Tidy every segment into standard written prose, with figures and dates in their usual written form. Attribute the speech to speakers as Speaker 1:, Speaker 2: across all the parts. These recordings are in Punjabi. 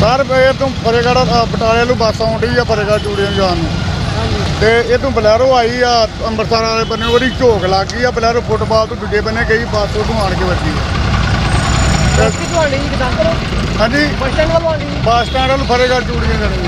Speaker 1: सर ये तो फतेहगढ़ बटाले ਨੂੰ ਬੱਸ ਆਉਂਦੀ ਆ ਫਤਿਹਗੜ੍ਹ ਚੂੜੀਆਂ ਜਾਣ ਨੂੰ ਤੇ ਇਹ ਤੋਂ ਬਲੈਰੋ ਆਈ ਆ ਅੰਮ੍ਰਿਤਸਰ ਵਾਲੇ ਬੰਨੇ ਉਹਦੀ ਝੋਕ ਲੱਗ ਗਈ ਆ ਬਲੈਰੋ ਫੁੱਟਬਾਲ ਤੋਂ ਦੂਜੇ ਬੰਨੇ ਗਈ ਬੱਸ ਉਦੋਂ ਆਣ ਕੇ ਵੱਜੀ हाँ जी
Speaker 2: ਬੱਸ ਸਟੈਂਡ ਵੱਲੋਂ ਆਉਂਦੀ
Speaker 1: ਬੱਸ ਸਟੈਂਡ ਵੱਲ ਫਤਿਹਗੜ੍ਹ ਚੂੜੀਆਂ ਜਾਣੀ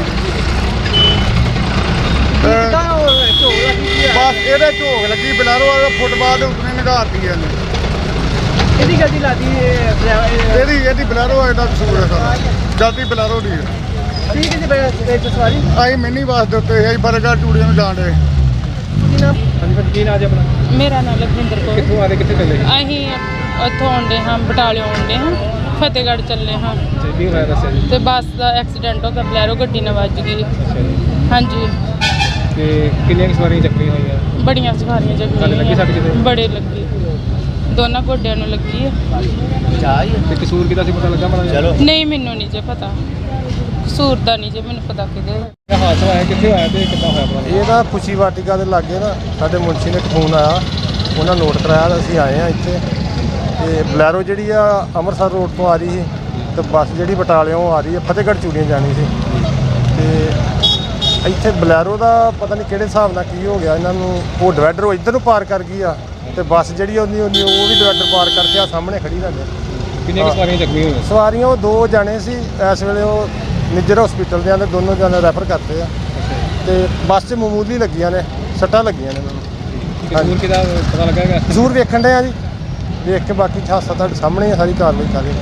Speaker 1: ਬਸ ਇਹਦੇ ਝੋਕ ਲੱਗੀ ਬਲੈਰੋ ਵਾਲੇ ਫੁੱਟਬਾਲ ਦੇ ਉੱਤੇ ਨਿਗਾਰਤੀ ਇਹਨੇ
Speaker 2: ਇਹਦੀ ਗੱਡੀ ਲਾਦੀ
Speaker 1: ਇਹਦੀ ਬਲੈਰੋ ਦਾ ਕਸੂਰ ਹੈ ਸਾਰਾ ਜਲਦੀ ਬਲੈਰੋ ਦੀ ਹੈ
Speaker 2: ਠੀਕ ਹੈ ਜੀ ਬੈਠ ਸਵਾਰੀ
Speaker 1: ਅਸੀਂ ਮਿੰਨੀ ਬੱਸ ਦੇ ਉੱਤੇ ਅਸੀਂ ਫਤਿਹਗੜ੍ਹ ਚੂੜੀਆਂ ਨੂੰ ਜਾਣ ਰਹੇ
Speaker 2: ਕੀ ਨਾਮ ਹਾਂਜੀ ਕੀ ਨਾਮ ਜੀ ਆਪਣਾ
Speaker 3: ਮੇਰਾ ਨਾਮ ਲਖਵਿੰਦਰ ਕੌਰ।
Speaker 2: ਕਿੱਥੋਂ ਆ ਰਹੇ ਕਿੱਥੇ ਚੱਲੇ
Speaker 3: ਅਸੀਂ ਉੱਥੋਂ ਆਉਂਦੇ ਹਾਂ ਬਟਾਲਿਓਂ ਆਉਂਦੇ ਹਾਂ ਫਤਿਹਗੜ੍ਹ ਚੱਲੇ ਹਾਂ
Speaker 2: ਕੀ ਹੋਇਆ ਦੱਸਿਆ ਜੀ
Speaker 3: ਤੇ ਬੱਸ ਦਾ ਐਕਸੀਡੈਂਟ ਹੋ ਗਿਆ ਬਲੈਰੋ ਗੱਡੀ ਨਾਲ ਵੱਜ ਗਈ।
Speaker 2: ਅੱਛਾ ਜੀ
Speaker 3: ਹਾਂਜੀ
Speaker 2: ਤੇ ਕਿੰਨੀਆਂ ਸਵਾਰੀਆਂ ਚੱਕੀਆਂ ਹੋਈਆਂ
Speaker 3: ਬੜੀਆਂ ਸਵਾਰੀਆਂ
Speaker 2: ਤੁਹਾਨੂੰ ਲੱਗੀ ਸੱਟ ਕਿਤੇ?
Speaker 3: ਬੜੇ ਲੱਗੀ ਦੋਨਾਂ ਗੋਡਿਆਂ ਨੂੰ ਲੱਗੀ ਹੈ।
Speaker 2: ਤੇ ਕਸੂਰ ਕਿਹਦਾ ਸੀ ਪਤਾ ਲੱਗਾ ਮਾੜਾ
Speaker 3: ਨਹੀਂ ਮੈਨੂੰ ਨਹੀਂ ਜੇ ਪਤਾ ਕਸੂਰ ਦਾ ਨਹੀਂ ਜੇ ਮੈਨੂੰ ਪਤਾ ਕਿਹਦੇ
Speaker 2: ਇਹ ਹਾਦਸਾ ਹੋਇਆ ਕਿੱਥੇ ਹੋਇਆ ਤੇ ਕਿੱਦਾਂ ਹੋਇਆ ਪਤਾ
Speaker 4: ਇਹ ਨਾ ਖੁਸ਼ੀ ਵਾਟਿਕਾ ਦੇ ਲਾਗੇ ਨਾ ਸਾਡੇ ਮੁਨਸ਼ੀ ਨੇ ਫੋਨ ਆਇਆ ਉਹਨਾਂ ਨੋਟ ਕਰਾਇਆ ਤਾਂ ਅਸੀਂ ਆਏ ਆ ਇੱਥੇ ਤੇ ਬਲੈਰੋ ਜਿਹੜੀ ਆ ਅੰਮ੍ਰਿਤਸਰ ਰੋਡ ਤੋਂ ਆ ਰਹੀ ਸੀ ਤੇ ਬੱਸ ਜਿਹੜੀ ਬਟਾਲਿਓਂ ਆ ਰਹੀ ਹੈ ਫਤਿਹਗੜ੍ਹ ਚੂੜੀਆਂ ਜਾਣੀ ਸੀ ਤੇ ਇੱਥੇ ਬਲੈਰੋ ਦਾ ਪਤਾ ਨਹੀਂ ਕਿਹੜੇ ਹਿਸਾਬ ਨਾਲ ਕੀ ਹੋ ਗਿਆ ਇਹਨਾਂ ਨੂੰ ਉਹ ਡਿਵਾਈਡਰ ਇੱਧਰ ਨੂੰ ਪਾਰ ਕਰ ਗਈ ਆ ਤੇ ਬੱਸ ਜਿਹੜੀ ਉਹ ਵੀ ਡਿਵਾਈਡਰ ਪਾਰ ਕਰਕੇ ਆ ਸਾਹਮਣੇ ਖੜੀ ਸਾਡੇ
Speaker 2: ਕਿੰਨੀਆਂ ਸਵਾਰੀਆਂ ਚੱਕੀਆਂ ਹੋਈਆਂ
Speaker 4: ਸਵਾਰੀਆਂ ਉਹ 2 ਜਾਣੇ ਸੀ ਇਸ ਵੇਲੇ ਉਹ ਨਿੱਜਰ ਹਸਪੀਟਲ ਦੇ ਆਂਦੇ ਦੋਨੋਂ ਜਾਣੇ ਰੈਫਰ ਕਰਤੇ ਆ ਤੇ ਬੱਸ 'ਚ ਮਾਮੂਲੀ ਲੱਗੀਆਂ ਨੇ ਸੱਟਾਂ ਲੱਗੀਆਂ ਨੇ ਇਹਨਾਂ ਨੂੰ
Speaker 2: ਕਸੂਰ ਕਿਹਦਾ ਪਤਾ ਲੱਗਾ
Speaker 4: ਜ਼ਰੂਰ ਵੇਖਣ ਦੇ ਆ ਜੀ ਵੇਖ ਕੇ ਬਾਕੀ ਹਾਦਸਾ ਤੁਹਾਡੇ ਸਾਹਮਣੇ ਸਾਰੀ ਕਾਰਵਾਈ ਕਰ ਰਹੇ